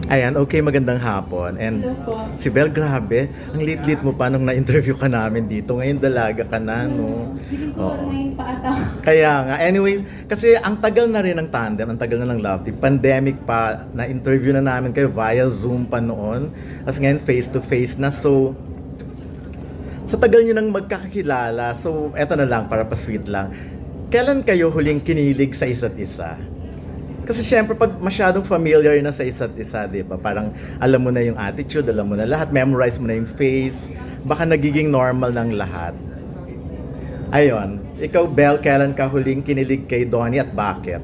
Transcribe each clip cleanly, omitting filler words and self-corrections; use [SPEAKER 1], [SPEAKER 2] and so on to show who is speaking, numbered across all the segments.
[SPEAKER 1] Ayan, okay, magandang hapon. And
[SPEAKER 2] Hello po.
[SPEAKER 1] si Bel, grabe, ang lit-lit mo pa nung na-interview ka namin dito. Ngayon dalaga ka na, no?
[SPEAKER 2] Feeling ko,
[SPEAKER 1] Oo.
[SPEAKER 2] 9 pa ata.
[SPEAKER 1] Kaya nga, anyway, kasi ang tagal na rin ng tandem, ang tagal na ng Love Team. Pandemic pa, na-interview na namin kayo via Zoom pa noon. Tapos ngayon, face-to-face na. So, sa tagal nyo nang magkakakilala, so eto na lang, para pa-sweet lang. Kailan kayo huling kinilig sa isa't isa? Kasi syempre pag masyadong familiar na sa isa't isa, di ba? Parang alam mo na yung attitude, alam mo na lahat, memorize mo na yung face, baka nagiging normal ng lahat. Ayon, ikaw Bel, kailan ka huling kinilig kay Donnie at bakit?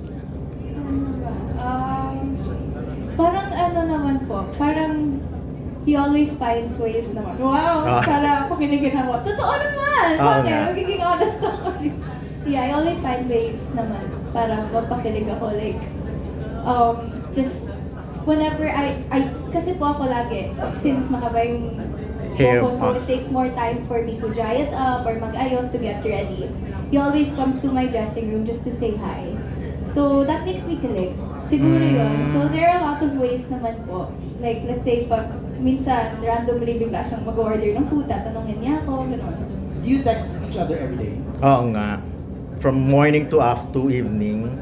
[SPEAKER 2] Parang ano naman po, parang he always finds ways naman. Wow,
[SPEAKER 1] Ah.
[SPEAKER 2] para pakinigin ako. Totoo naman!
[SPEAKER 1] Oo
[SPEAKER 2] Bakit?
[SPEAKER 1] nga.
[SPEAKER 2] Magiging honest ako. Yeah, I always find ways naman para mapakilig ako. Like, just whenever kasi po ako lagi, since mahaba yung
[SPEAKER 1] Hair
[SPEAKER 2] buhok ko, so
[SPEAKER 1] pa.
[SPEAKER 2] it takes more time for me to dry it up or mag-ayos to get ready. He always comes to my dressing room just to say hi. So, that makes me kilig. Siguro yun. So, there are a lot of ways naman po. Like, let's say, pag minsan, randomly bigla siyang mag-order ng food, tatanungin niya ako, gano'n.
[SPEAKER 3] Do you text each other every day?
[SPEAKER 1] Oo nga. From morning to after evening.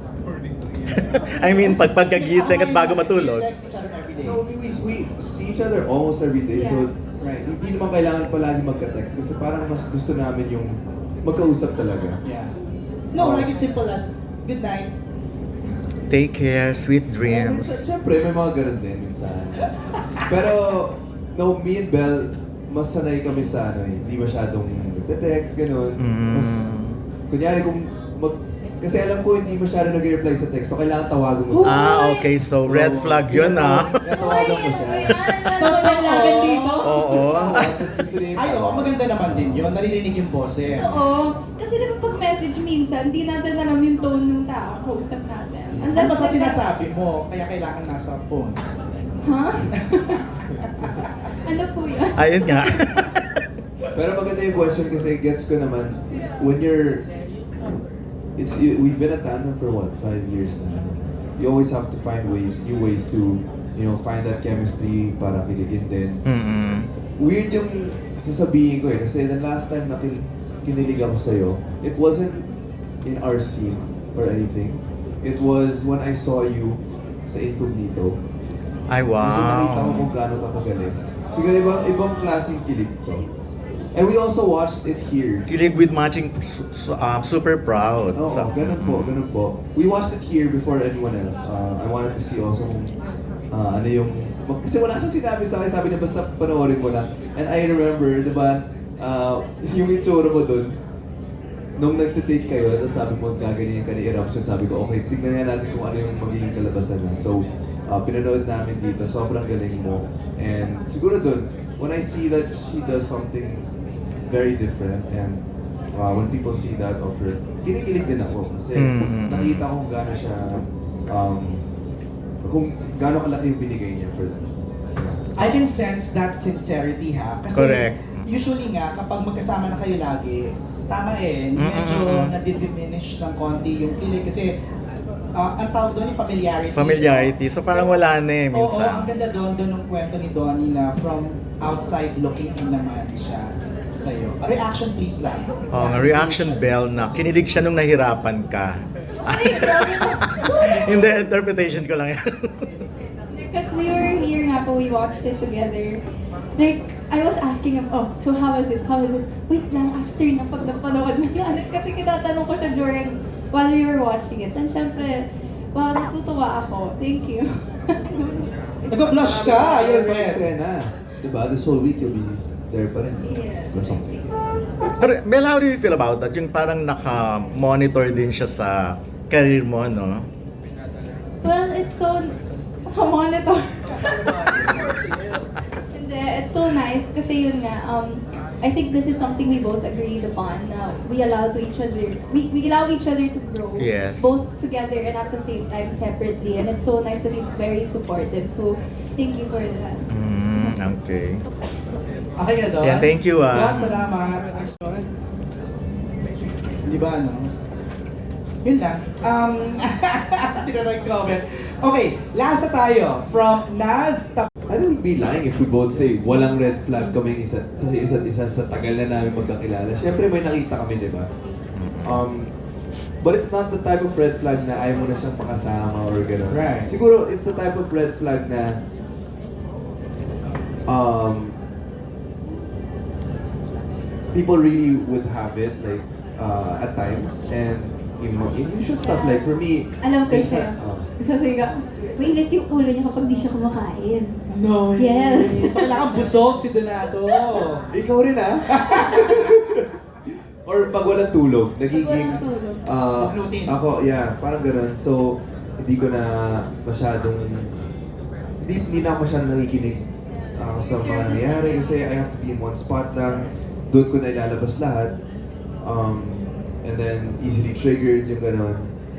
[SPEAKER 1] I mean, pagkagising at bago matulog.
[SPEAKER 3] Do you text each other every day?
[SPEAKER 4] No, we see each other almost every day.
[SPEAKER 2] Yeah.
[SPEAKER 4] So,
[SPEAKER 3] Right.
[SPEAKER 4] hindi naman kailangan palagi magka-text kasi parang mas gusto namin yung magkausap talaga.
[SPEAKER 3] Yeah. No, like as simple as, good night.
[SPEAKER 1] Take care, sweet dreams.
[SPEAKER 4] Siyempre, may mga ganun din minsan. Pero, no, me and Belle, mas sanay kami sa hindi masyadong text, ganun. Mas, kunyari kung kasi alam ko hindi masyado nag-reply sa text, so kailangan tawagan mo.
[SPEAKER 1] Okay, so red flag yun ah.
[SPEAKER 4] Tawagan mo siya.
[SPEAKER 2] Ano dito?
[SPEAKER 1] Oo.
[SPEAKER 4] Tapos gusto niya yung
[SPEAKER 3] Ay, oo,
[SPEAKER 4] tawagan.
[SPEAKER 3] maganda naman din yun. Naririnig yung boses.
[SPEAKER 2] Oo. Kasi di ba pag message minsan, hindi natin alam yung tone ng tao, kausap natin.
[SPEAKER 3] Ano ba sa sinasabi mo? Kaya kailangan nasa phone.
[SPEAKER 2] Ha? Ano po yun?
[SPEAKER 1] Ayun nga.
[SPEAKER 4] Pero maganda yung question kasi gets ko naman, when we've been at tandem for what, 5 years na. You always have to find new ways to, find that chemistry para kiligin din. Weird yung sasabihin ko kasi the last time na kinilig ako sa'yo, it wasn't in our scene or anything. It was when I saw you sa Incognito.
[SPEAKER 1] Ay,
[SPEAKER 4] So nakita ko
[SPEAKER 1] wow.
[SPEAKER 4] kung gaano ka kagaling. Siguro ibang klaseng kilig to. And we also watched it here.
[SPEAKER 1] Kilig with matching super proud.
[SPEAKER 4] Oo,
[SPEAKER 1] So,
[SPEAKER 4] ganun po. We watched it here before anyone else. I wanted to see also kung ano yung... Kasi wala siyang sinabi sa akin, sabi niya basta panoorin mo lang. And I remember, di ba, yung itsura mo dun, nung nagtitake kayo, tapos sabi mo gaganyan ka ni Eruption, sabi ko, okay, tignan nga natin kung ano yung magiging kalabasan nun. So, pinanood namin dito, sobrang galing mo. And siguro dun, when I see that she does something very different and when people see that of her, kinikilig din ako kasi nakita ko kung gaano siya, kung gaano kalaki yung binigay niya for them.
[SPEAKER 3] I can sense that sincerity ha. Kasi
[SPEAKER 1] Correct.
[SPEAKER 3] usually nga, kapag magkasama na kayo lagi, tama medyo nadidiminish ng konti yung kilig. Kasi ang tawag doon yung familiarity.
[SPEAKER 1] familiarity. So parang wala na eh
[SPEAKER 3] Oo, ang
[SPEAKER 1] minsan.
[SPEAKER 3] ganda doon ng kwento ni Donnie na from outside looking in naman siya sa'yo. A reaction please lang.
[SPEAKER 1] Oh, nga reaction bell na kinilig siya nung nahirapan ka.
[SPEAKER 2] Ay, grabe po.
[SPEAKER 1] Hindi, interpretation ko lang yan.
[SPEAKER 2] Because we were here nga po, we watched it together. Like, I was asking him, oh, so how was it? How was it? Wait lang, after na pag napanood na yan. Kasi kinatanong ko siya while we were watching it. And syempre, wow, natutuwa ako. Thank you.
[SPEAKER 3] Nag-blush ka, you're
[SPEAKER 4] Yung
[SPEAKER 3] red.
[SPEAKER 4] eksena, diba? This whole week you'll be there pa rin.
[SPEAKER 2] Yes.
[SPEAKER 4] Or something.
[SPEAKER 1] Pero Bel, how do you feel about that? Yung parang naka-monitor din siya sa career mo, no?
[SPEAKER 2] Well, it's so... Monitor. Hindi, it's so nice kasi yun nga, I think this is something we both agreed upon na we allow each other to grow.
[SPEAKER 1] Yes.
[SPEAKER 2] Both together and at the same time separately. And it's so nice that he's very supportive. So, thank you for that.
[SPEAKER 1] Okay.
[SPEAKER 3] Okay na doon?
[SPEAKER 1] Yeah, thank you,
[SPEAKER 3] Don, salamat. Di ba, ano? Yun lang. Hindi na nag-comment. Okay, last na tayo. From Naz,
[SPEAKER 4] I think we'd be lying if we both say walang red flag kami sa isa't isa sa tagal na namin magkakilala. Siyempre may nakita kami, di ba? But it's not the type of red flag na ayaw mo na siyang makasama or gano'n.
[SPEAKER 3] Right.
[SPEAKER 4] Siguro it's the type of red flag na people really would have it like at times and unusual stuff like for me
[SPEAKER 2] Alam ko
[SPEAKER 4] minsan-
[SPEAKER 2] sa'yo. Sasabi ka, mainit yung ulo niya kapag di siya kumakain.
[SPEAKER 3] no.
[SPEAKER 2] Yes.
[SPEAKER 3] So kailangan busog si Donato.
[SPEAKER 4] Ikaw rin ah. Or pag walang tulog, nagiging
[SPEAKER 2] Pag walang tulog.
[SPEAKER 3] Gluten.
[SPEAKER 4] ako, yeah, parang ganun. So, hindi ko na masyadong hindi na ako masyadong nakikinig sa mga nangyayari kasi I have to be in one spot lang. Doon ko na ilalabas lahat. And then, easily triggered yung ganun.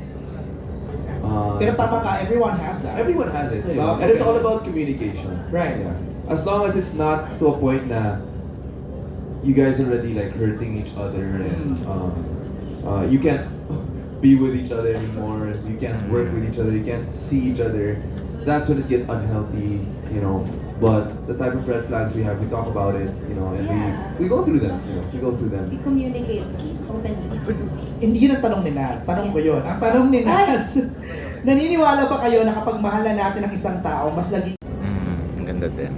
[SPEAKER 3] Pero tama ka, everyone has that.
[SPEAKER 4] Everyone has it.
[SPEAKER 3] Diba?
[SPEAKER 4] And it's all about communication.
[SPEAKER 3] Right.
[SPEAKER 4] Yeah. As long as it's not to a point na you guys already like hurting each other and you can't be with each other anymore, you can't work with each other, you can't see each other, that's when it gets unhealthy, you know. But the type of red flags we have, we talk about it, you know, and
[SPEAKER 2] Yeah.
[SPEAKER 4] we go through them, you know, we go through them.
[SPEAKER 2] I-communicate openly.
[SPEAKER 3] Hindi yun ang tanong ni Naz. Tanong ko yun. Ang tanong ni Naz, naniniwala ba kayo na kapag mahal na natin ang isang tao, mas lagi
[SPEAKER 1] Ang ganda din.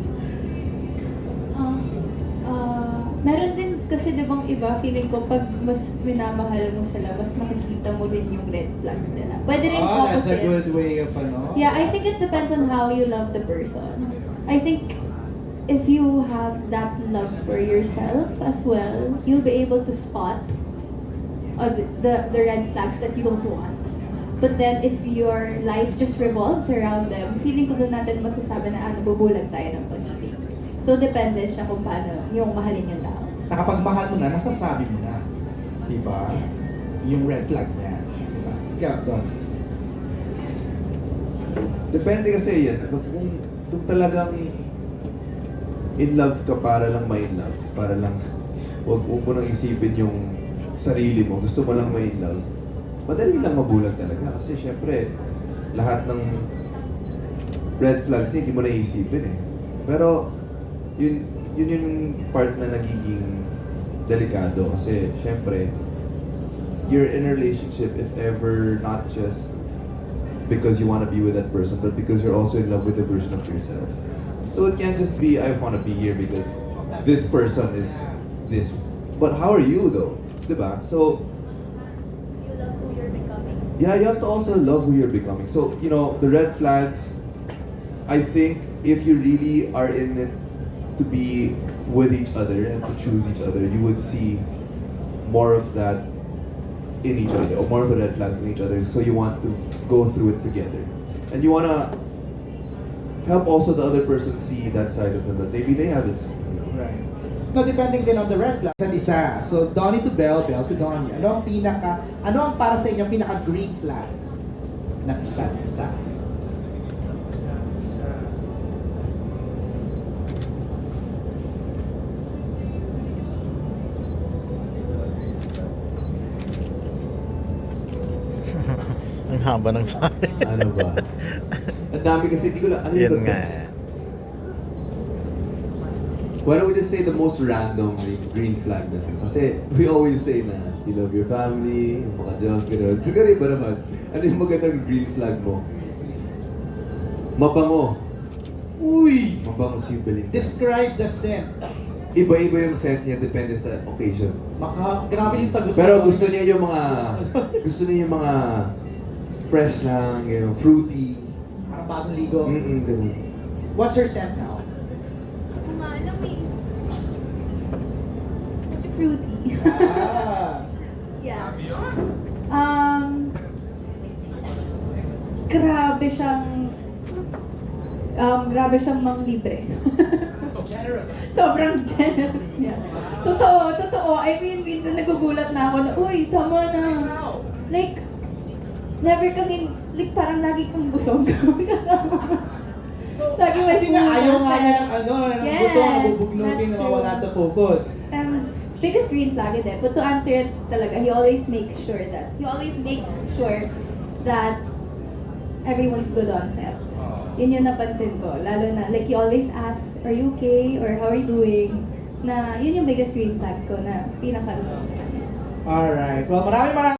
[SPEAKER 2] Meron din kasi di bang iba, feeling ko pag mas minamahal mo sila, mas makikita mo din yung red flags nila. Pwede rin
[SPEAKER 3] that's a
[SPEAKER 2] opposite.
[SPEAKER 3] good way of ano.
[SPEAKER 2] Yeah, I think it depends on how you love the person. I think if you have that love for yourself as well, you'll be able to spot the red flags that you don't want. But then if your life just revolves around them, feeling ko doon natin masasabi na nabubulag tayo ng pag-ibig. So depende siya kung paano yung mahalin yung tao.
[SPEAKER 3] Sa kapag mahal mo na, nasasabi mo na. Diba? Yung red flag niya. Diba? Yeah, Don.
[SPEAKER 4] Depende kasi yan. Kung talagang in love ka para lang ma-in love, para lang, huwag mo nang isipin yung sarili mo, gusto mo lang ma-in love, madali lang mabulag talaga. Kasi syempre, lahat ng red flags hindi mo naisipin eh. Pero, yun yung part na nagiging delikado. Kasi syempre, you're in a relationship if ever not just because you want to be with that person, but because you're also in love with the version of yourself. So it can't just be, I want to be here because this person is this. But how are you though? Diba? So,
[SPEAKER 2] You love who you're becoming.
[SPEAKER 4] yeah, you have to also love who you're becoming. So, you know, the red flags, I think if you really are in it to be with each other and to choose each other, you would see more of that in each other, or more of the red flags in each other. So you want to go through it together. And you want to help also the other person see that side of them that maybe they haven't seen.
[SPEAKER 3] Right. No, depending din on the red flag. Sa isa. So, Donnie to Belle, Belle to Donnie. Ano ang para sa inyo pinaka green flag na isa?
[SPEAKER 1] Ang haba ng sabi.
[SPEAKER 4] Ano ba? Ang dami kasi, di ko lang, ano
[SPEAKER 1] Yan
[SPEAKER 4] yung
[SPEAKER 1] nga
[SPEAKER 4] best?
[SPEAKER 1] eh.
[SPEAKER 4] Why don't we just say the most random green flag na lang? Kasi we always say na you love your family, yung mga Diyos, gano'n. Siguro iba naman, ano yung magandang green flag mo? Mabango.
[SPEAKER 3] Uy!
[SPEAKER 4] Mabango si Belinda.
[SPEAKER 3] Describe the scent.
[SPEAKER 4] Iba-iba yung scent niya, depende sa occasion.
[SPEAKER 3] Grabe yung sagot.
[SPEAKER 4] Pero gusto niya yung mga fresh lang, you know, fruity.
[SPEAKER 3] Parang bagong ligo.
[SPEAKER 4] Ganun.
[SPEAKER 3] What's her scent now?
[SPEAKER 2] Ano medyo fruity.
[SPEAKER 3] Ah.
[SPEAKER 2] Yeah. Grabe siyang manglibre.
[SPEAKER 3] Generous.
[SPEAKER 2] Sobrang generous niya. Totoo. I mean, minsan nagugulat na ako na, uy, tama na. Like, never kang, like, parang lagi kang busog. Lagi
[SPEAKER 3] Kasi nga ayaw nga niya ng ng
[SPEAKER 2] Yes,
[SPEAKER 3] buto, nabubugnutin,
[SPEAKER 2] that's
[SPEAKER 3] na mawala
[SPEAKER 2] true.
[SPEAKER 3] sa focus.
[SPEAKER 2] Biggest green flag is it. But to answer it talaga, he always makes sure that everyone's good on set. Yun yung napansin ko. Lalo na, like, he always asks, are you okay? Or how are you doing? Na, yun yung biggest green flag ko na pinaka-result.
[SPEAKER 3] Alright. Well, maraming